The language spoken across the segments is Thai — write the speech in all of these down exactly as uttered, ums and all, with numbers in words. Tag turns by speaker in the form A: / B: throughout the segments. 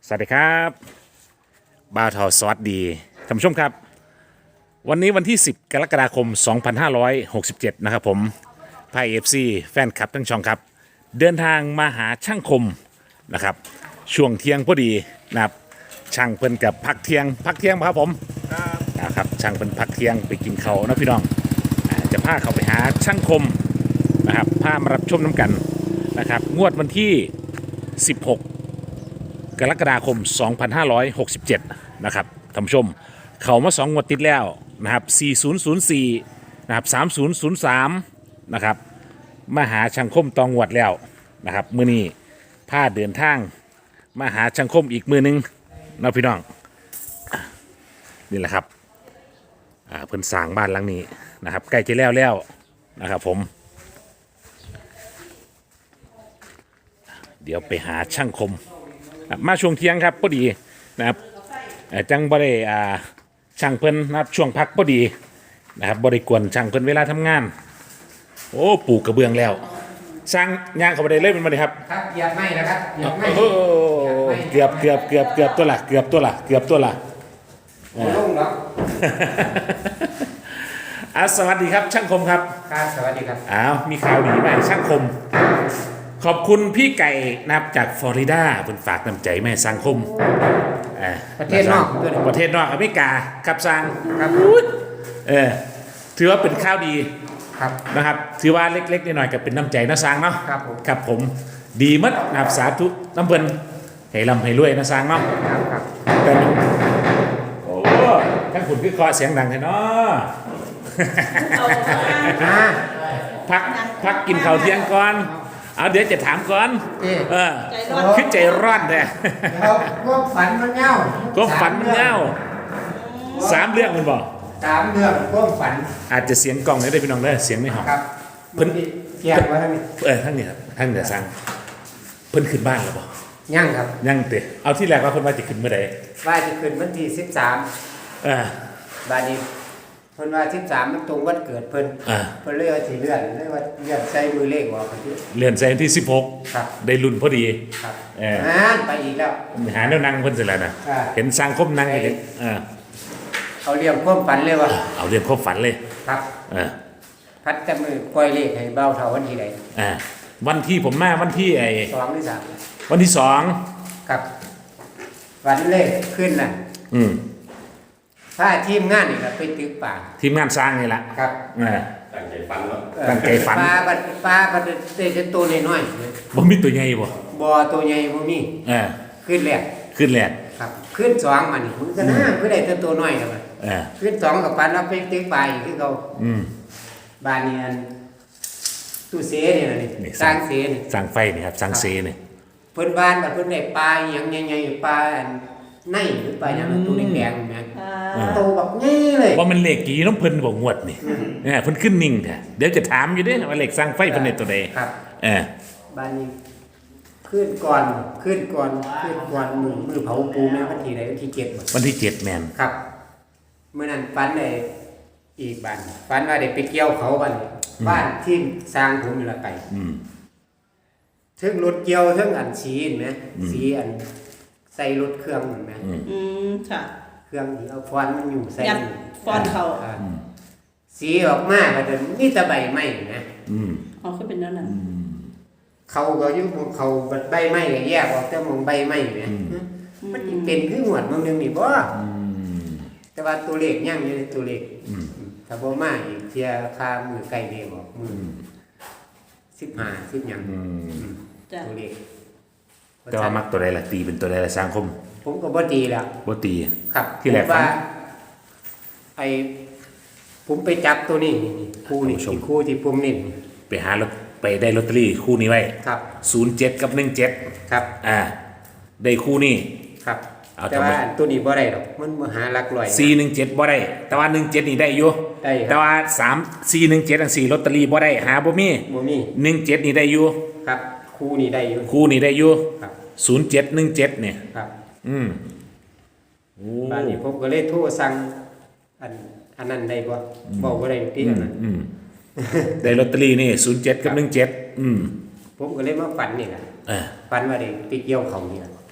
A: สวัสดีครับบ่าวทอสวัสดีท่านผู้ชมครับวันนี้วันที่สิบกรกฎาคมสองพันห้าร้อยหกสิบเจ็ดนะครับผมไพเอฟซีแฟนคลับทั้งช่องครับเดินทางมาหาช่างคมนะครับช่วงเที่ยงพอดีนะครับช่างเพิ่นกับพักเที่ยงพักเที่ยงครับผมนะครับช่างเพิ่นพักเที่ยงไปกินเขาวนะพี่น้องอ่าจะพาเขาไปหาช่างคมนะครับพามารับชมน้ำกันนะครับงวดวันที่สิบหกกรกฎาคมสองพันห้าร้อยหกสิบเจ็ดนะครับท่านผู้ชมเขามาสองงวดติดแล้วนะครับสี่ศูนย์ศูนย์สี่นะครับสามศูนย์ศูนย์สามนะครับมาหาช่างคมตองงวดแล้วนะครับมื้อนี้พาเดินทางมาหาช่างคมอีกมือหนึงนะพี่น้องนี่แหละครับอ่าเพิ่นสร้างบ้านหลังนี้นะครับใกล้จะแล้วแล้วนะครับผมเดี๋ยวไปหาช่างคมมาช่วงเที่ยงครับพอดีนะครับจังบ่ได้อ่าช่างเพิ่นนะครับช่วงพักพอดีนะครับบ่ได้กวนช่างเพิ่นเวลาทำงานโอ้ปลูกกระเบื้องแล้วสร้างย่างเข้าไปได้เลยเป็นบ่ได้ครับ
B: ครับเหยียบไม่นะครับเหยียบไม่
A: โอ้เกือบเกือบเกือบเกือบตัวละเกือบตัวละเกือบตัวละ
B: โอ้ลงเนาะ
A: อ่ะสวัสดีครับช่างคมครับ
B: ครับสวัสดีครับ
A: อ้าวมีข่าวดีมาให้ช่างคมขอบคุณพี่ไก่นะครับจากฟลอริดาเพิ่นฝากน้ำใจแม่สังคมอ่า
B: ประเทศนอกด้วยนะ
A: ประเทศนอกอเมริกาครับสร้าง
B: ครับ
A: เออถือว่าเป็นข้าวดี
B: ครับ
A: นะครับถือว่าเล็กๆน้อยๆก็เป็นน้ำใจนะสร้างเนาะ
B: ครับผม
A: ครับผมดีมัดนะครับสาธุน้ำเพิ่นให้ร่ำให้รวยนะสร้างเนาะ
B: ครับครับ
A: แต่โอ้ทั้งคุณคือคอเสียงดังเลยเนาะ
B: อ่า
A: พักพักกินข้าวเที่ยงก่อนเอาเดี๋ยวจะถามก่อน
B: เอ๊ะ
A: เออคือใจร้อนแท้
B: แล้วก็ฝันมันเงา
A: ก็ฝันเงาสามเรื่องมันบอก
B: สามเรื่องก็ฝัน
A: อาจจะเสียงกล้องได้พี่น้องได้อเสียงไม่หอม
B: ครับ
A: เพิ่น
B: เกี่ยวไว้ให้มี
A: เออทั้งนี้ครับทั้งเดี๋ยวสั่งเพิ่นขึ้นบ้านแล้วบอก
B: ยั่งครับ
A: ยังเตะเอาที่แรกว่าเพิ่นว่าจะขึ้นเมื่อใด
B: ว่าจะขึ้นวันที่สิบสาม
A: เออบ
B: าดนี้เพิ่นว่าสิบสามมันตรงวันเกิดเพิ่น
A: อ่า
B: เพิ่นเลยว่าสิเลื่อนเลยว่าเลื่อนใส่มือเลขออกไปที่
A: เลื่อนแซงที่สิบหก
B: ครับ
A: ได้รุ่นพอดี
B: ครับ
A: เออ
B: อ่านไปอีกแล้ว
A: หาแนวนั่งเพิ่นเสร็จแล้วนะ
B: อ่า
A: เห็นสร้างคมนั่งอยู่เออ
B: เขาเรียกความฝันเลยว่า
A: เอาเรื่องความฝันเลย
B: ครับ
A: เออ
B: พัดจะมือปล่อยเลขให้เบาเท่าวันที่ใด
A: อ่าวันที่ผมมาวันที่ไอ้
B: สองหรือสาม
A: วันที่สอง
B: ครับวันเลขขึ้นน่ะ
A: อืม
B: ถ้าทีมงานนี่ก็ไปตึกป่า
A: ทีมงานสร้างนี่แหละ
B: ครับ
A: อ่า
C: ตั้งใจฟังแล้ว
B: เอ่อ
A: ตั้งใจฝัน
B: ปลาบัดปลาบัดได้แต่ตัวน้อย
A: บ่มีตัวใหญ่บ่
B: ๆบ่อตัวใหญ่บ่มี
A: เออ
B: ขึ้นแรก
A: ขึ้นแรก
B: ครับ ขึ้นสองมานี่มันก็น่าคือได้แต่ตัวน้อยครับ
A: เออ
B: ขึ้นสองกับปันแล้วไปตึกป่าอีกคือเขา
A: อืม
B: บ้านนี้อันตู้เสนี่น่ะนี่
A: นี่
B: สร้างเสนี่
A: สร้างไฟนี่ครับสร้างเซนี่
B: เพิ่นบ้านบัดเพิ่นได้ปลาอหยังใหญ่ๆปลาอันในหรือปลาหยังนั้นตัวแดงๆแม่นโตบักใหญ่เลย
A: ว่ามันเลขกี่น้องเพิ่นบ่งวดนี่เนี่ยเพิ่นขึ้นนิ่งแท้เดี๋ยวจะถามอยู่เด้ว่าเลขสร้างไฟเพิ่นได้ตัวใด
B: ครับ
A: เออ
B: บ้านนี้ขึ้นก่อนขึ้นก่อนขึ้นก่อนมือมือเผาปูแม่วันที่ใดวันที่เจ็ดบ่
A: วันที่เจ็ดแม่น
B: ครับเมื่อนั้นฝันได้อีกบ้านฝันว่าได้ไปเกี่ยวเขาบ้านนี้บ้านที่สร้างผมนี่ละไป
A: อืม
B: ถึงรถเกี่ยวถึงอันสีเห็นไหมสีอันใส่รถเครื่องเห็นไหม
A: อืม
D: อืมค่ะ
B: เครื่องที่เอาฟอนมันอยู่ใส่
D: ยัดฟอนเขา
B: าสีออกมาก็จะมีแต่ใบไม้นะ
A: อืม
D: เอาขึ้นเป็นนั่นน่ะ
B: เขาก็อยุ่งเขาใบไม้ก็แยกออกแต่มองใบไม้เนี่ยมันสิเป็นคือหวดบางนึงนี่บ่
A: อืม
B: แต่ว่าตัวเลขยังอยู่ในตัวเลข
A: อืม
B: ถ้าบ่มาอีกเทียค่ามือใกล้เด้บอกมือสิบห้าสิบหยัง
A: อืม
D: จ้ะ
B: ตัวเลข
A: แต่ว่ามักตัวใดล่ะตีเป็นตัวใดล่ะสร้างคม
B: ผมก็บ่ตีแล้ว
A: บ่ตี
B: ครับ
A: ที่แรก
B: ผมว่า
A: ฝัน
B: ไอ้ผมไปจับตัวนี้นี่นี่คู่นี่
A: ท่านผู้ชม
B: ที่คู่ที่ผมนี่
A: ไปหาลอตไปได้ลอตเตอรี่คู่นี้ไว้
B: ครับ
A: ศูนย์เจ็ดกับหนึ่งเจ็ด
B: ครับ
A: อ่า ได้คู่นี้
B: ครับ
A: เอา
B: แต่
A: ทำไม
B: ว่าตัวนี้บ่ได้หรอกมันบ่หาหลักร้อย
A: สี่หนึ่งเจ็ดบ่ได้ แต่ว่าหนึ่งเจ็ดนี่ได้อยู่
B: ได้ครับ
A: แต่ว่าสามสี่หนึ่งเจ็ดอันสี่ลอตเตอรี่บ่ได้หาบ่มี
B: บ่มี
A: หนึ่งเจ็ดนี่ได้อยู่
B: ครับ คู่นี้ได้อยู่
A: คู่นี่ได้อยู่
B: ครับ
A: ศูนย์เจ็ดหนึ่งเจ็ดเนี่ย
B: ครับ
A: อืมโอ้
B: บ้านนี้ผมก็เลยโทรสั่งอันอันนั้นได้บ่บอกบ่ได้ติอันนั้น
A: อืมได้ลอตเตอรี่นี่ศูนย์เจ็ดกับหนึ่งเจ็ดอืม
B: ผมก็เลยมาฝันนี่ล่ะ
A: เออ
B: ฝันว่าได้ไปเกี่ยวเขานี่ล่ะ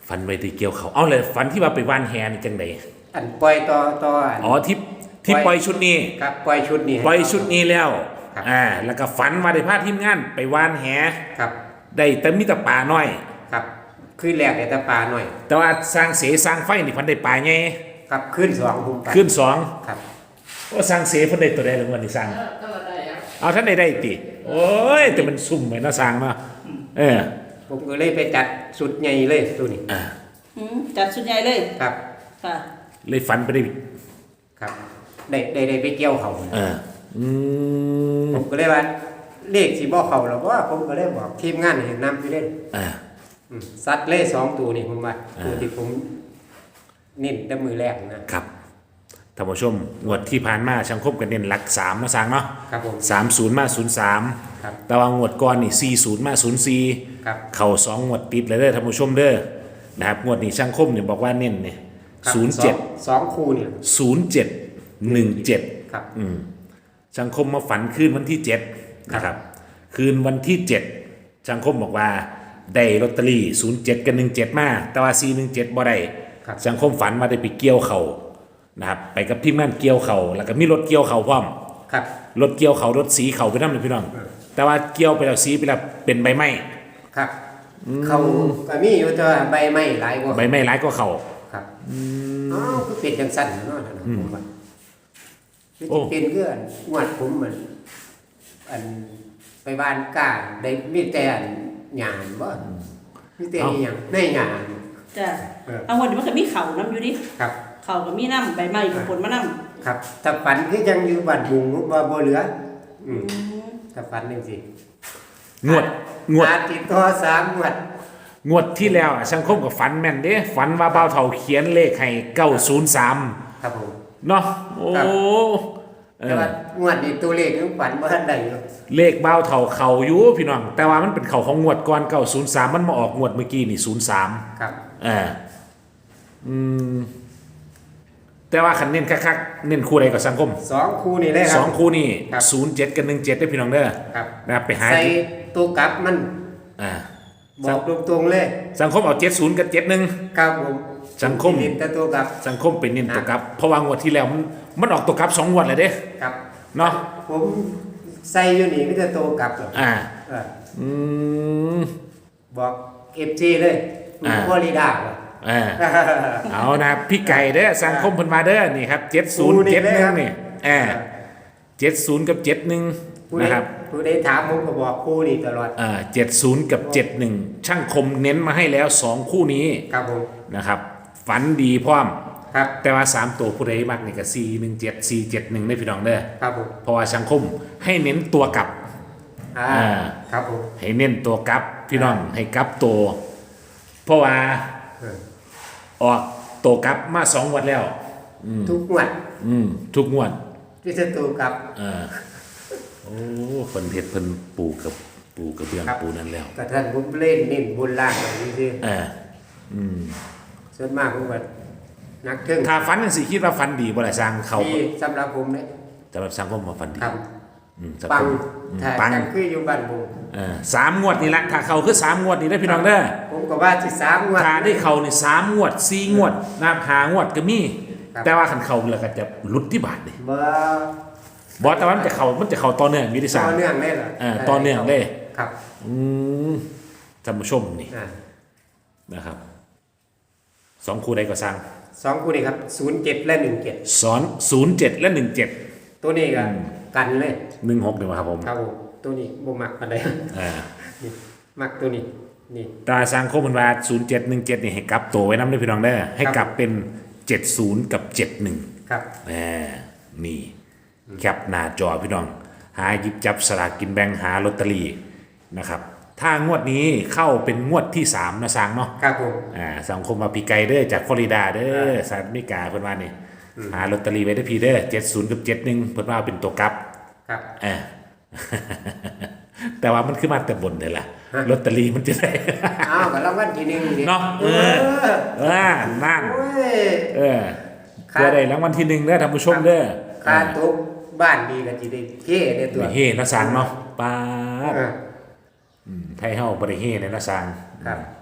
A: ฝันไว้ที่เกี่ยวเขาเอาเลยฝันที่ว่าไปว่านแฮนี่จังได
B: อันปล่อยต่อต่ออัน
A: อ๋อที่ที่ปล่อยชุดนี้
B: ครับปล่อยชุดนี้ให้
A: ปล่อยชุดนี้แล้ว
B: ครับ
A: อ่าแล้วก็ฝันว่าได้พาทีมงานไปว่านแฮ
B: ครับ
A: ได้แต่มีแต่ป่าน้อย
B: ครับขึ้นแรกได้แต่ปลาหน่อย
A: แต่ว่าสร้างเสสร้างไฟนี่เพันได้ป่าไง
B: ครับขึ้นสองผมไป
A: ขึ้นสอง
B: ครับ
A: ว่าสร้างเสเพันได้ตัวใดหรือวันนี้สร้างเอาท่านได้ได้ติโอ้ยแต่มันซุ่มไปเนาะสร้างเนาะเออ
B: ผมก็เลยไปจัดสุดใหญ่เลยตัวนี้
A: อ่า
D: อืมจัดสุดใหญ่เลย
B: ครับ
D: ค่ะ
A: เลยฝันไปได้
B: ครับได้ได้ได้ไปเกี่ยวเขา
A: เอออืม
B: ผมก็เลยว่าเลขสีบ่เขาแล้วว่าผมก็เลยบอกทีมงานให้นำไปเล่น
A: อ่า
B: อืมซัดเล่สองตัวนี่ผมว่า
A: อ่า
B: ตัวที่ผมเน้นแต่มือแรกนะครับ
A: ท่านผู้ชมงวดที่ผ่านมาช่างคบกันเน้นหลักสามเนาะสร้างเนาะ
B: ครับผม
A: สามศูนย์มาศูนย์สาม
B: ครับ
A: แต่ว่างวดก่อนนี่สี่ศูนย์มาศูนย์สี่
B: ครับ
A: เข่าสองงวดติดเลยเด้อท่านผู้ชมเด้อนะครับงวดนี้ช่างคมเนี่ยบอกว่าเน้นเนี่ย
B: ครับ
A: ศูนย์เจ็ด
B: สองสองคู่เนี่ย
A: ศูนย์เจ็ดหนึ่งเจ็ด
B: ครับ
A: ช่างคมมาฝันคืนวันที่เจ็ดนะครับคืนวันที่เจ็ดช่างคมบอกว่าได้ลอตเตอรี่ศูนย์เจ็ดกับหนึ่งเจ็ดมาแต่ว่าสี่หนึ่งเจ็ดบ่ได้
B: ครับ
A: ช่างคมฝันว่าได้ไปเกี่ยวเขานะครับไปกับทีมงานเกี่ยวเขาแล้วก็มีรถเกี่ยวเขาพร้อม
B: ครับ
A: รถเกี่ยวเขารถสีเขาไปนั่นเลยพี่น้อง แต่ว่าเกี่ยวไปแล้วสีไปแล้วเป็นใบไม้
B: ครับ เขาก็มีอยู่แต่ว่าใบไม้หลายกว่า
A: ใบไม้ร้ายก็เขา
B: ครับอ๋อคือเป็นจังสั้นเนาะนั่นน่ะผมว่าคือ
A: โอ้
B: สิเป็นคืออันงวดผมเหมือนอันไปบ้านก้าได้มีแต่อันหยานบ่มีแต่อีหยังในหยาน
D: จ้ะ
B: เออ
D: เอาวันนี้มันก็มีเข่าน้ำอยู่ดิ
B: ครับ
D: เข่าก็มีน้ำใบไม้กับผลมะน้
B: ครับถ้าฝันคือยังอยู่บ้านบุงบ่บ่เหลืออืม
D: ำอืม
B: ถ้าฝันจังซี่
A: งวดงวด
B: อาติดต่อสามงวด
A: งวดที่แล้วอะช่างคมกับฝันแม่นเด้ฝันว่าเบ้าเท่าเขียนเลขให้เก้าศูนย์สาม
B: ครับผม
A: เนาะโอ้
B: ครับ
A: เอ
B: แต่
A: อ
B: ว่างวดนี้ตัวเลขยังฝันบ่ทันได้อยู่
A: เลขเบ้าเท่าเขาอยู่พี่น้อง แต่ว่ามันเป็นเขาของงวดก่อนเก้าศูนย์สามมันมาออกงวดเมื่อกี้นี่ศูนย์สาม
B: ครับ
A: เอออืมแต่ว่าคันเน้นคักๆเน้นคู่ใดกับสังคม
B: สองคู่นี่เลยค
A: ส
B: รั
A: องคู่นี่
B: ครับ
A: ศูนย์เจ็ดกับหนึ่งเจ็ดได้พี่น้องเด้อ
B: ครับ
A: นะครับไปหา
B: ใส่ตัวกลับมัน
A: อ่า
B: บอกตรงๆเลย
A: สังคมเอาเจ็ดศูนย์กับเจ็ดหนึ่ง
B: ครับผม
A: สังคม
B: ติดแต่ตัวกลับ
A: สังคมเป็นเน้นตัวกลับ เพราะว่างวดที่แล้วมันมันออกตัวกลับสองงวดเลยเด้
B: ครับ
A: เนาะ
B: ผมใส่อยู่นี่ไม่แต่ตัวกลับหรอก
A: อ่า
B: เออ
A: อืม
B: บอกเอฟซีเลย
A: อ่า
B: ฟลอริดาเหรอ
A: อ่าเอานะพี่ไก่เด้อสังคมเพิ่นมาเด้อนี่ครับเจ็ดศูนย์เจ็ดหนึ่งนี่อ่าเจ็ดศูนย์กับเจ็ดหนึ่ง
B: ผู้ใด
A: นะครับ
B: ผู้ใดถามผมก็บอกคู่นี่ตลอด
A: อ่าเจ็ดศูนย์กับเจ็ดหนึ่งช่างคมเน้นมาให้แล้วสองคู่นี้
B: ครับผม
A: นะครับ ฝันดีพร้อม
B: ครับ
A: แต่ว่าสามตัวผู้ใดมักนี่ก็สี่หนึ่งเจ็ดสี่เจ็ดหนึ่งได้พี่น้องเด้อ
B: ครับผม
A: เพราะว่าช่างคมให้เน้นตัวกลับ
B: อ่า
A: อ่า
B: ครับผม
A: ให้เน้นตัวกลับพี่น้องให้กลับตัว เพราะว่า
B: เออ
A: ออกตัวกลับมาสองงวันแล้ว
B: ทุกงวด
A: อืมทุกงวด
B: ที่จะตัวกลับ
A: เออโอ้เพิ่นเฮ็ดเพิ่นปูกับปูกับเบื้อง
B: ครับ
A: ปูนั่นแล้ว
B: กับท่านผมเล่นเน้นบนล่างแบบนี้สิ
A: เอออืม
B: ส่วนมากผมก็นักเทิง
A: ถ้าฝันจังสิคิดว่าฝันดีบ่ล่ะสร้างเขา
B: ที่สำหรับผมเนี่ย
A: สำหรับสร้างผมว่าฝันดี
B: ครับ
A: อืมสำหรับ
B: ปัง
A: ผมอืม
B: ถ้า
A: ปัง
B: จังคืออยู่บ้านผม
A: เออสามงวดนี่ละถ้าเขาคือสามงวดนี่ได้อพี่น้องเด้อ
B: ผมก็ว่าสิสามงวด
A: ถ้าได้เขานี่สามงวดสี่งวดนะครับหางวดก็มี
B: ครับ
A: แต่ว่าคันเขาแล้วก็จะหลุดที่บาทนี่
B: บ่
A: บ่แต่ว่ามันจะเขามันจะเขาต่อเนื่องมีที่สา
B: ต่
A: ม
B: อเนื่องเลยเหรอ
A: เออต่อเนื่องเลย
B: ครับ
A: อืมท่านผู้ชมนี่
B: อ่า
A: นะครับสองคู่ใดก็สร้าง
B: สองคู่นี้ครับศูนย์เจ็ดและหนึ่งเจ็ด
A: สอนศูนย์เจ็ดและหนึ่งเจ็ด
B: ตัวนี้ก็กันเลย
A: หนึ่งหกเดียวครับผม
B: ครับผมตัวนี้บ่มักปานใด
A: อ่า
B: นี่มักตัวนี้นี่
A: ตาสร้างโคมันว่าศูนย์เจ็ดหนึ่งเจ็ดนี่ให้กลับตัวไว้น้ำด้วยพี่น้องได้อให้กลับเป็นเจ็ดศูนย์กับเจ็ดหนึ่ง
B: ครับ
A: แหมนี่แคปหน้าจอพี่น้อง หาหยิบจับสลากกินแบ่งหาลอตเตอรี่นะครับ ถ้างวดนี้เข้าเป็นงวดที่สามนะสร้างเนาะ
B: ครับผม
A: อ่าสังคมมาพีไกเด้อจากฟลอริดาเด้อสหรัฐอเมริกาเพิ่นว่านี่หาลอตเตอรี่ไว้ได้อพี่เด้อเจ็ดศูนย์กับเจ็ดหนึ่งเพิ่นว่าเป็นตัวกลับ
B: ครับ
A: อ่า แต่ว่ามันคือมาแต่บนเลยล่ะลอตเตอรี่มันจะได้
B: อ้าวก็รางวัลที่หนึ่งนี่
A: เนาะเอ
B: เอ
A: อ
B: อ
A: เออนั่น
B: โอ้ย
A: เออ
B: ครับ
A: เพื่อได้รางวัลที่หนึ่งเด้อท่านผู้ชมเด้อ
B: ค่าตุ๊กบ้านดีก็สิได้เท่ได้ตัว
A: นี่เฮนะสังเนาะป้าด
B: เออ
A: ไทยเฮาบ่ได้เฮเลยนะสัง
B: ครับ
A: อ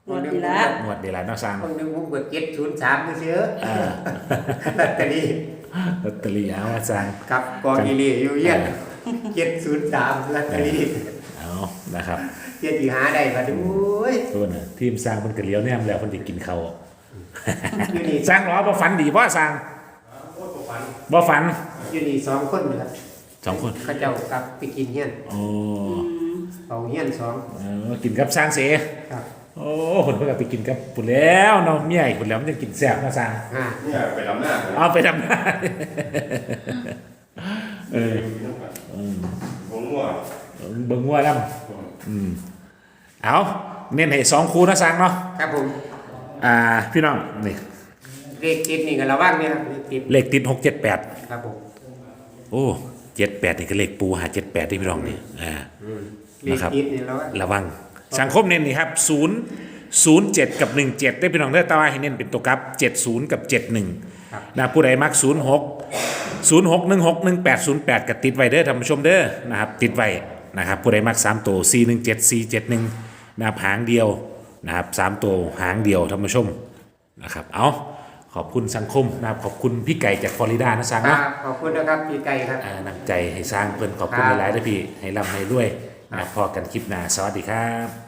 D: งวดดีละ
A: งวดเดียวละเนาะสร้าง
B: คนหนึงผมก็เจ็ดศูนย์สามเชื้อ
A: อ่า
B: ลอตเตอรี่
A: ลอตเตอรี่เอามาสร้าง
B: กับกองอีเลีอยู่เยี่ยนเจ็ดศูนย์สามลอตเตอรี่
A: เอานะครับ
B: เจ็ดที่หาได้บัดนี้โอ้ย
A: ตัวน่ะทีมสร้างมันก็เลี้ยวแนมแล้วคนจะกินเขาว
B: อยู่นี่
A: สร้างหรอบ่ฝันดีบ่สร้างบ่ฝัน
B: อยู่นี่สองคนนะครับ
A: สองคน
B: เขาเจ้ากลับไปกินเฮียน
A: โอ้
B: เอาเฮียนสอง
A: เออกินกับสร้างเส
B: ครับ
A: โอ้คนเพิ่นก็ไปกินกับปุ่นแล้วเนาะเมียอีกปุ่นแล้วมันจะกินแซ่บเนาะสร้าง
B: อ่า
C: เนี่ยไปลำหน้าผม
A: เอาไปทำงาน เออ
C: ผมว่า
A: เบิ่งงัวนํอืมเอาเน้นให้สองคู่นะสร้างเนาะ
B: ครับผม
A: อ่าพี่น้องนี่
B: เลขติดนี่ก็ระวังเนี่ยครับเลขติด
A: เลขติดหกเจ็ดแปด
B: ครับผม
A: โอ้เจ็ดแปดนี่ก็เลขปูหาเจ็ดแปดที่พี่น้องนี่อ่า
B: เลขติดนี่ระวัง
A: ระวังสังคมเน้นนี่ครับศูนย์ศูนย์เจ็ดกับหนึ่งเจ็ดได้พี่น้องได้อแตว่าให้เน้นเป็นตัวกับเจ็ดศูนย์กับเจ็ดหนึ่ง
B: ครับ
A: นะผู้ใดมักศูนย์หกศูนย์หกหนึ่งหกหนึ่งแปดศูนย์แปดกับติดไว้เด้อท่านผู้ชมเด้อนะครับติดไว้นะครับผู้ใดมักสามตัวสี่หนึ่งเจ็ดสี่เจ็ดหนึ่งนะครับหางเดียวนะครับสามตัวหางเดียวท่านผู้ชมนะครับเอาขอบคุณสังคมนะครับขอบคุณพี่ไก่จากฟลอริดานะสัง
B: ครั
A: เนาะ
B: บขอบคุณนะครับพี่ไก่ครับ
A: อ่านำใจให้สร้างเพิ่นขอบคุณ
B: ครับ
A: หลายๆด้วยพี่ให้ร่ำให้รวยนะครับพอกันคลิปหน้าสวัสดีครับ